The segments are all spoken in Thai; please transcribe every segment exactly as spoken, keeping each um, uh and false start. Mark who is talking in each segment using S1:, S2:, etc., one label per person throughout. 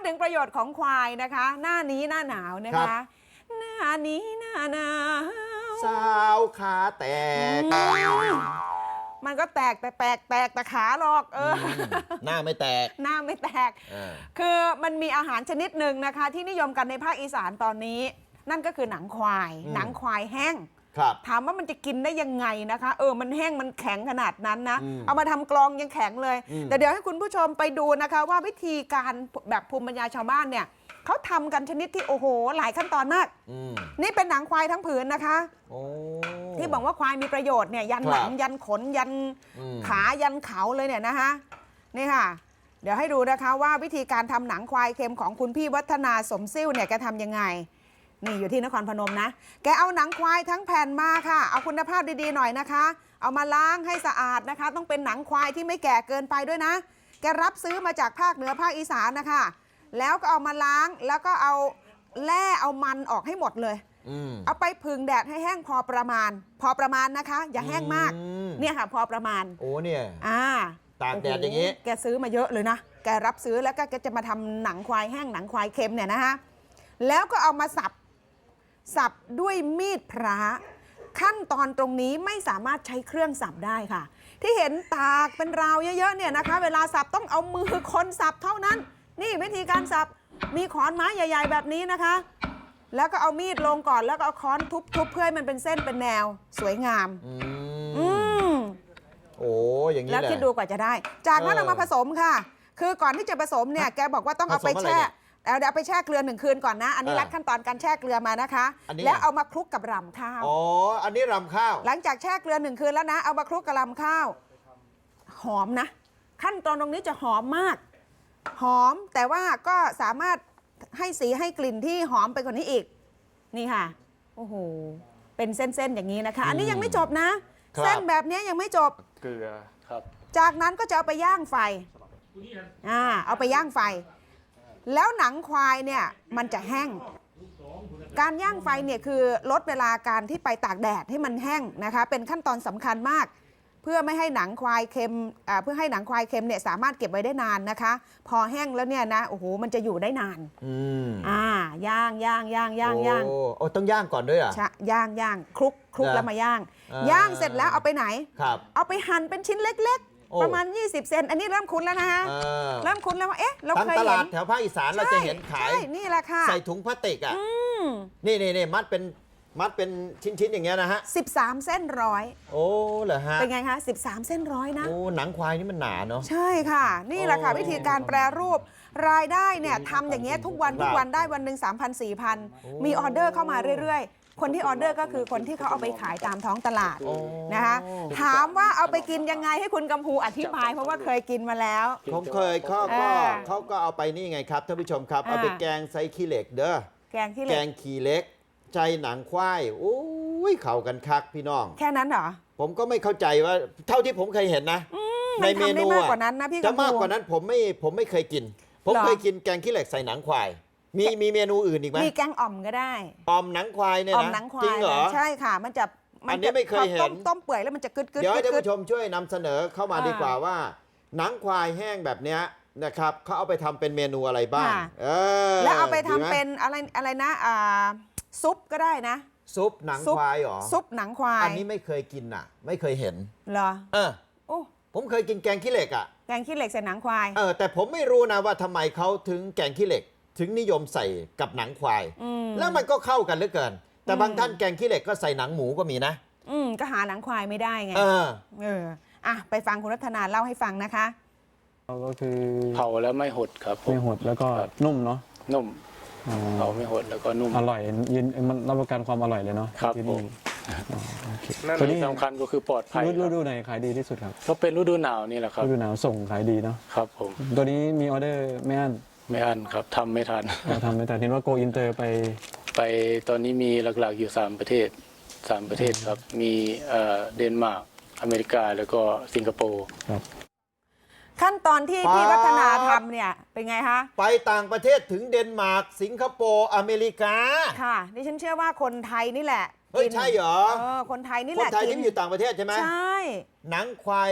S1: ดถึงประโยชน์ของควายนะคะหน้านี้หน้าหนาวนะคะหน้านี้หน้าหนาว
S2: สาวขาแตก
S1: มันก็แตกแต่แตกแตกแต่ขาหรอกเออ
S2: หน้าไม่แตก
S1: หน้าไม่แตกคือมันมีอาหารชนิดหนึ่งนะคะที่นิยมกันในภาคอีสานตอนนี้นั่นก็คือหนังควายหนังควายแห้งถามว่ามันจะกินได้ยังไงนะคะเออมันแห้งมันแข็งขนาดนั้นนะเอามาทำกลองยังแข็งเลยแต่เดี๋ยวให้คุณผู้ชมไปดูนะคะว่าวิธีการแบบภูมิปัญญาชาวบ้านเนี่ยเขาทำกันชนิดที่โอ้โหหลายขั้นตอนมากนี่เป็นหนังควายทั้งผืนนะคะที่บอกว่าควายมีประโยชน์เนี่ยยันหนังยันขนยันขายันเขาเลยเนี่ยนะคะนี่ค่ะเดี๋ยวให้ดูนะคะว่าวิธีการทำหนังควายเค็มของคุณพี่วัฒนาสมซิ่วเนี่ยแกทำยังไงนี่อยู่ที่นครพนมนะแกเอาหนังควายทั้งแผ่นมาค่ะเอาคุณภาพดีๆหน่อยนะคะเอามาล้างให้สะอาดนะคะต้องเป็นหนังควายที่ไม่แก่เกินไปด้วยนะแกรับซื้อมาจากภาคเหนือภาคอีสานนะคะแล้วก็เอามาล้างแล้วก็เอาแล่เอามันออกให้หมดเลยเอาไปผึ่งแดดให้แห้งพอประมาณพอประมาณนะคะอย่าแห้งมากเนี่ยค่ะพอประมาณ
S2: โอ้เนี่ย
S1: อ่า
S2: ตากแดดอย่างนี้
S1: แกซื้อมาเยอะเลยนะแกรับซื้อแล้วก็แกจะมาทำหนังควายแห้งหนังควายเค็มเนี่ยนะคะแล้วก็เอามาสับสับด้วยมีดพระขั้นตอนตรงนี้ไม่สามารถใช้เครื่องสับได้ค่ะที่เห็นตากเป็นราวเยอะๆเนี่ยนะคะเวลาสับต้องเอามือคนสับเท่านั้นนี่วิธีการสับมีขอนไม้ใหญ่ๆแบบนี้นะคะแล้วก็เอามีดลงก่อนแล้วก็เอาค้อนทุบๆเพื่อให้มันเป็นเส้นเป็นแนวสวยงามอืม
S2: โอ้อย่างนี้
S1: แล้วคิดดูกว่าจะได้จากนั้นเอามาผสมค่ะคือก่อนที่จะผสมเนี่ยแกบอกว่าต้องเอาไปแช่เอาเดี๋ยวไปแช่เกลือหนึ่งคืนก่อนนะอันนี้รัดขั้นตอนการแช่เกลือมานะคะแล้วเอามาคลุกกับรำข้าว
S2: อ๋ออันนี้รำข้าว
S1: หลังจากแช่เกลือหนึ่งคืนแล้วนะเอามาคลุกกับรำข้าวหอมนะขั้นตอนตรงนี้จะหอมมากหอมแต่ว่าก็สามารถให้สีให้กลิ่นที่หอมไปกว่านี้อีกนี่ค่ะโอ้โหเป็นเส้นๆอย่างนี้นะคะอันนี้ยังไม่จบนะเส้นแบบนี้ยังไม่จบ
S3: เกลือครับ
S1: จากนั้นก็จะเอาไปย่างไฟอ่าเอาไปย่างไฟแล้วหนังควายเนี่ยมันจะแห้งการย่างไฟเนี่ยคือลดเวลาการที่ไปตากแดดให้มันแห้งนะคะเป็นขั้นตอนสำคัญมากเพื่อไม่ให้หนังควายเค็มเพื่อให้หนังควายเค็มเนี่ยสามารถเก็บไว้ได้นานนะคะพอแห้งแล้วเนี่ยนะโอ้โหมันจะอยู่ได้นาน
S2: อืม
S1: อ่าย่างย่างย่างย่างย่าง
S2: โอ้ต้องย่างก่อนด้วยอ่ะ
S1: ใช่ย่างย่างคลุกคลุกแล้วมาย่างย่างเสร็จแล้วเอาไปไหน
S2: ครับ
S1: เอาไปหั่นเป็นชิ้นเล็กๆประมาณยี่สิบเซนอันนี้เริ่มคุ้นแล้วนะฮะเริ่มคุ้นแล้วว่าเอ๊ะเราเคยเห็น
S2: ตลาดแถวภาคอีสานเราจะเห็นขาย
S1: นี่แหละค่ะ
S2: ใส่ถุงพลาสติกอ่ะนี่นี่นี่มัดเป็นมัดเป็นชิ้นๆอย่างเงี้ยนะฮะ
S1: สิบสามเส้นร้อย
S2: โอ้เหรอฮะ
S1: เป็นไงคะสิบสามเส้นร้อยนะ
S2: โอ้หนังควายนี่มันหนาเนาะ
S1: ใช่ค่ะนี่แหละค่ะวิธีการแปรรูปรายได้เนี่ยทำอย่างเงี้ยทุกวันทุกวันได้วันหนึ่งสามพันสี่พันมีออเดอร์เข้ามาเรื่อยๆคนที่ออเดอร์ก็คือคนที่เขาเอาไปขายตามท้องตลาดนะคะถามว่าเอาไปกินยังไงให้คุณกำพูอธิบายเพราะว่าเคยกินมาแล้ว
S2: ผมเคยเขาก็เขาก็เอาไปนี่ไงครับท่านผู้ชมครับเอาไปแกงไซขี้เหล็กเด้อ
S1: แกงขี้เหล็ก
S2: แกงขี้เหล็กใจหนังควายโอ้ยเข่ากันคักพี่น้อง
S1: แค่นั้นเหรอ
S2: ผมก็ไม่เข้าใจว่าเท่าที่ผมเคยเห็นนะในเมนู
S1: มากกว่านั้นนะพี่
S2: จะมากกว่านั้นผมไม่ผมไม่เคยกินผมเคยกินแกงขี้เหล็กใส่หนังควายมีมีเมนูอื่นอีกไหม
S1: มีแกงอ่อมก็ได้
S2: อ่อมหนังควายเนี่ยนะจริงเหรอ
S1: ใช่ค่ะมันจะ
S2: อันนี้ไม่เคยเห็น
S1: ต้มเปื่อยแล้วมันจะกึดกึด
S2: เดี๋ยวให้ท่านผู้ชมช่วยนำเสนอเข้ามาดีกว่าว่าหนังควายแห้งแบบเนี้ยนะครับเขาเอาไปทำเป็นเมนูอะไรบ้าง
S1: แล้วเอาไปทำเป็นอะไรอะไรนะซุปก็ได้นะ
S2: ซุปหนังควายหรอ
S1: ซุปหนังควาย
S2: อันนี้ไม่เคยกินอ่ะไม่เคยเห็น
S1: เหรอ
S2: เออโอ้ผมเคยกินแกงขี้เหล็กอ่ะ
S1: แกงขี้เหล็กใส่หนังควาย
S2: เออแต่ผมไม่รู้นะว่าทำไมเขาถึงแกงขี้เหล็กถึงนิยมใส่กับหนังควายแล้วมันก็เข้ากันเหลือเกินแต่บางท่านแกงขี้เหล็กก็ใส่หนังหมูก็มีนะ
S1: อืมก็หาหนังควายไม่ได้ไง
S2: เออ
S1: เอออ่ะไปฟังคุณรัตนาเล่าให้ฟังนะคะ
S3: ก็คือเผาแล้วไม่หดครับ
S4: ไม่หดแล้วก็นุ่มเนาะ
S3: นุ่มเผาไม่หดแล้วก็นุ่ม
S4: อร่อยยืนมันรับประกันความอร่อยเลยเนาะ
S3: ครับผมนั่นที่สำคัญก็คือปลอดภัย
S4: ฤดูไหนขายดีที่สุดครับ
S3: ก็เป็นฤดูหนาวนี่แหละครับ
S4: ฤดูหนาวส่งขายดีเนาะ
S3: ครับผม
S4: ตัวนี้มีออเดอร์ไม่อั้น
S3: ไม่อั้นครับทำไม่ทัน
S4: ทำไม่ทันเห็นว่าโกอินเตอร์ไป
S3: ไปตอนนี้มีหลักๆอยู่สามประเทศสามประเทศครับมีเดนมาร์กอเมริกาแล้วก็สิงคโปร์
S4: ครับ
S1: ขั้นตอนที่พี่วัฒนาทำเนี่ยเป็นไงคะ
S2: ไปต่างประเทศถึงเดนมาร์กสิงคโปร์อเมริกา
S1: ค่ะดิฉันเชื่อว่าคนไทยนี่แหละ
S2: เฮ้ยใช่เหรอ
S1: เออคนไทยนี่แหละ
S2: คนไทยที่อยู่ต่างประเทศใช่ไหม
S1: ใช่
S2: หนังควาย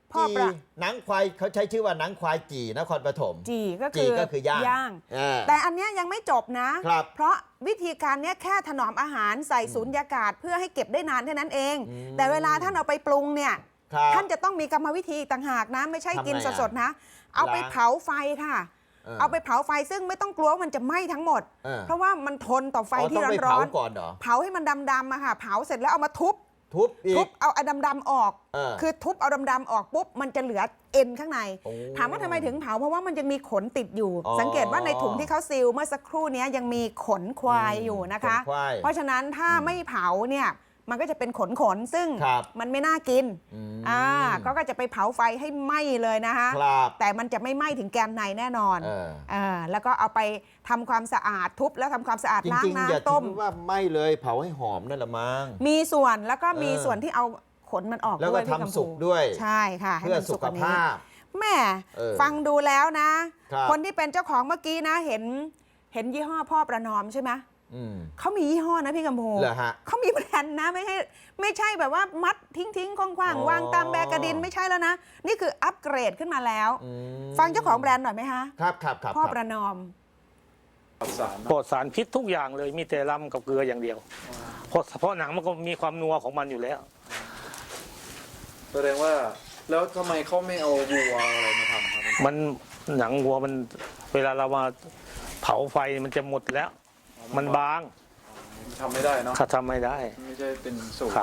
S1: พ่อ
S2: จี
S1: ประ
S2: หนังควายเขาใช้ชื่อว่าหนังควายจีนครปฐม
S1: จีก็
S2: จี
S1: คือ
S2: ก็คือย่าง
S1: ย่าง
S2: เออ
S1: แต่อันเนี้ยยังไม่จบนะ
S2: ครับ
S1: เพราะวิธีการเนี้ยแค่ถนอมอาหารใส่สูญญากาศเพื่อให้เก็บได้นานแค่นั้นเอง
S2: อืม
S1: แต่เวลาท่านเอาไปปรุงเนี่ย
S2: ครับ
S1: ท่านจะต้องมีกรรมวิธีต่างหากนะ ไม่ใช่กิน
S2: ทำไงอะ
S1: สดๆนะ เอาไป
S2: ล้าง
S1: เผาไฟค่ะ
S2: เออ
S1: เอาไปเผาไฟซึ่งไม่ต้องกลัวว่ามันจะไหม้ทั้งหมด
S2: เออ
S1: เพราะว่ามันทนต่อไฟ
S2: อ๋อ
S1: ที่
S2: ต้องไป
S1: ร้
S2: เผา
S1: อน
S2: ก่อนเหรอ
S1: ๆเผาให้มันดำๆอะค่ะ เผาเสร็จแล้วเอามาทุบ
S2: ทุบอี
S1: ทุ
S2: ก
S1: บเอาไอ้ดำๆออก
S2: เออ
S1: คือทุบเอาดำๆออกปุ๊บมันจะเหลือเอ็นข้างใน
S2: โอ้
S1: ถามว่าทำไมถึงเผาเพราะว่ามันยังมีขนติดอยู่
S2: อ๋อ
S1: สังเกตว่าในถุงที่เขาซีลเมื่อสักครู่นี้ยังมีขนควายอยู่นะคะ
S2: ขนควาย
S1: เพราะฉะนั้นถ้าไม่เผาเนี่ยมันก็จะเป็นขนขนๆซึ่ง
S2: ครับ
S1: มันไม่น่ากิน
S2: อืม
S1: อ่าก็ก็จะไปเผาไฟให้ไหม้เลยนะคะ
S2: ครับ
S1: แต่มันจะไม่ไหม้ถึงแกนในแน่นอน
S2: เออ
S1: เออแล้วก็เอาไปทำความสะอาดทุบแล้วทำความสะอาด
S2: จ
S1: ล้าง
S2: ริงๆอย่า
S1: น้ำต้ม
S2: ถือว่าไม่เลยเผาให้หอมนั่นแหละมั้ง
S1: มีส่วนแล้วก็มี
S2: เออ
S1: ส่วนที่เอาขนมันออก
S2: แล้ว
S1: ด้
S2: ก็
S1: วยพี่
S2: ทำ
S1: กำพู
S2: สุกด้วย
S1: ใช่ค่ะให้
S2: เพื่อ
S1: มัน
S2: สุ
S1: สุก
S2: ข
S1: กว่านี้
S2: ภาพ
S1: แม่
S2: เออ
S1: ฟังดูแล้วนะ
S2: ครับ
S1: คนที่เป็นเจ้าของเมื่อกี้นะเห็นเห็นยี่ห้อพ่อประนอมใช่ไหม
S2: อืม
S1: เขามียี่ห้อนะพี่กำพู
S2: เหรอฮะ
S1: เขามีแบรนด์นะไม่ใช่ไม่ใช่แบบว่ามัดทิ้งทิ้งๆคว่าง
S2: อ๋อ
S1: ๆวางตามแบกกระดินไม่ใช่แล้วนะ นี่คืออัปเกรดขึ้นมาแล้ว
S2: อืม
S1: ฟังเจ้าของแบรนด์หน่อยไหมคะ
S2: ครับครับครับ
S1: พ่อ
S2: ครับ
S1: ประนอม
S3: ปลอดสารพิษทุกอย่างเลยมีแต่ลำกับเกลืออย่างเดียว เพราะเพราะหนังมันก็มีความนัวของมันอยู่แล้ว
S5: แสดงว่าแล้วทำไมเขาไม่เอาวัวอะไรมาทำครับ
S3: มันหนังวัวมันเวลาเรามาเผาไฟมันจะหมดแล้ว มันบาง
S5: ทำไม่ได้เนาะ
S3: ถ้าทำไม่ได้
S5: ไม่ใช่เป็นสูตร
S3: ครับ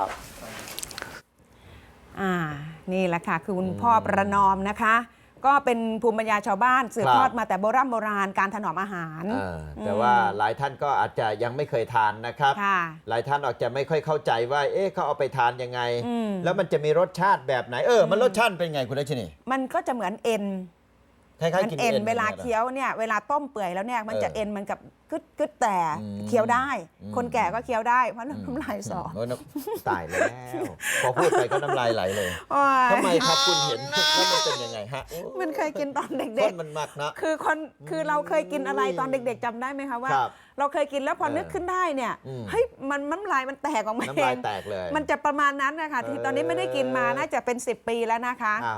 S1: อ่านี่แหละค่ะคือคุณพ่อประนอมนะคะ ก็เป็นภูมิปัญญาชาวบ้านสืบทอดมาแต่โบราณโบราณการถนอมอาหาร
S2: เออแต่ว่าหลายท่านก็อาจจะยังไม่เคยทานนะครับ
S1: ค่ะ
S2: หลายท่านอาจจะไม่ค่อยเข้าใจว่า เอ๊ะเขาเอาไปทานยังไง
S1: อืม
S2: แล้วมันจะมีรสชาติแบบไหน เออ มันรสชาติเป็นไงคุณรัชนี
S1: มันก็จะเหมือนเอ็น
S2: คล้าย
S1: มัน
S2: ๆกิน
S1: เอ็น
S2: เอ็น
S1: เวลา
S2: นี่ยหรอ
S1: เคี้ยวเนี่ยเวลาต้มเปื่อยแล้วเนี่ยมันจะ
S2: เออ
S1: เอ็นมันกับกึดกึดแต่
S2: อืม
S1: เคี้ยวได้
S2: อืม
S1: คนแก่ก็เคี้ยวได้เพราะน้ำลายสอ
S2: โอ้ยน้ำตายแล้ว พอพูดไปก็น้ำลายไหลเลย
S1: โอ้ย
S2: ทำไมครับคุณเห็นแล้วมันเป็นยังไงฮะโอ้
S1: มันเคยกินตอนเด็
S2: ต้
S1: ก
S2: นมันมักนะ
S1: ๆ คือคนคือเราเคยกินอะไรตอนเด็กๆจำได้ไหมคะว่า
S2: ครับ
S1: เราเคยกินแล้วพอ
S2: เออ
S1: นึกขึ้นได้เนี่ย
S2: อืม
S1: เฮ้ยมันน้ำลายมันแตกออกมา
S2: น้ำ
S1: เอ
S2: ลาย
S1: ง
S2: แตกเลย
S1: มันจะประมาณนั้นนะคะที่ตอนนี้ไม่ได้กินมาน่าจะเป็นสิบปีแล้วนะคะ
S2: อ่า